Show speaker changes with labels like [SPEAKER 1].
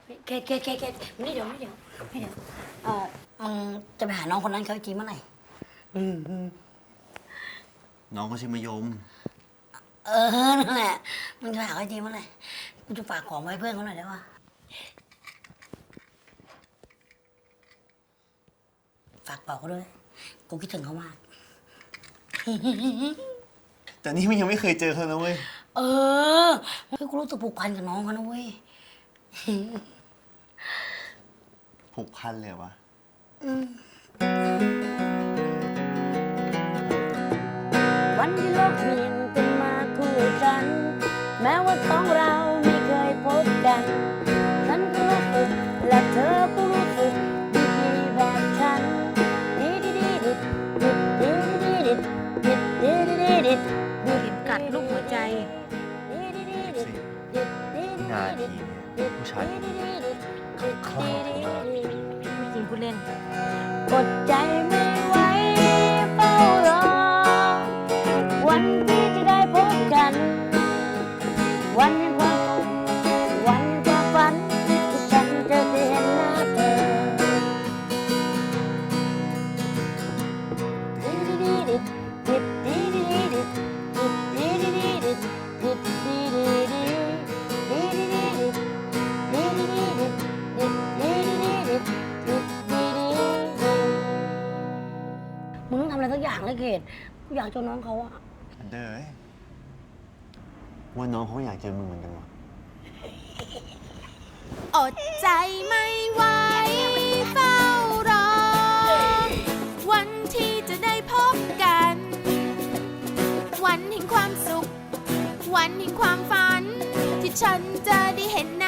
[SPEAKER 1] เคไม่เดี๋ยวมึงจะไปหาน้องคนนั้นเขาจริงเมื่อไหร่
[SPEAKER 2] น้องเขาชื่อมะยม
[SPEAKER 1] นั่นแหละมึงจะไปหาเขาจริงเมื่อไหร่กูจะฝากของไว้เพื่อนเขาหน่อยได้ปะฝากบอกเขาด้วยกูคิดถึงเขามาก
[SPEAKER 2] แต่นี่มันยังไม่เคยเจอเขานะเว้ย
[SPEAKER 1] กูรู้สึกผูกพันกับน้องเขานะเว้ย
[SPEAKER 2] ผูกพันเลยวะ
[SPEAKER 1] วันที่โลกเปลี่ยนเป็นมาคู่กัน แม้ว่าสองเราไม่เคยพบกันฉันก็รู้สึกและเธอก็รู้สึกดีๆแบบฉันกัดลูกหัวใจ
[SPEAKER 2] นาทีเนี่ยผู้ชายเขาคลั่งเขามาก
[SPEAKER 1] ไม่จริงพูดเล่นกดใจไม่ไหวเฝ้ารอวันที่จะได้พบกันวันแห่งความสุขวันความฝันที่ฉันจะได้เห็นหน้าเธอมึงต้องทำอะไรสักอย่างเลยเกดกูอยากเจอน้องเขาอะ
[SPEAKER 2] เด้อว่าน้องเขาอยากเจอมึงเหมือนกันวะ
[SPEAKER 3] อดใจไม่ไหวเฝ้ารอวันที่จะได้พบกัน วันแห่งความสุขวันแห่งความฝันที่ฉันจะได้เห็น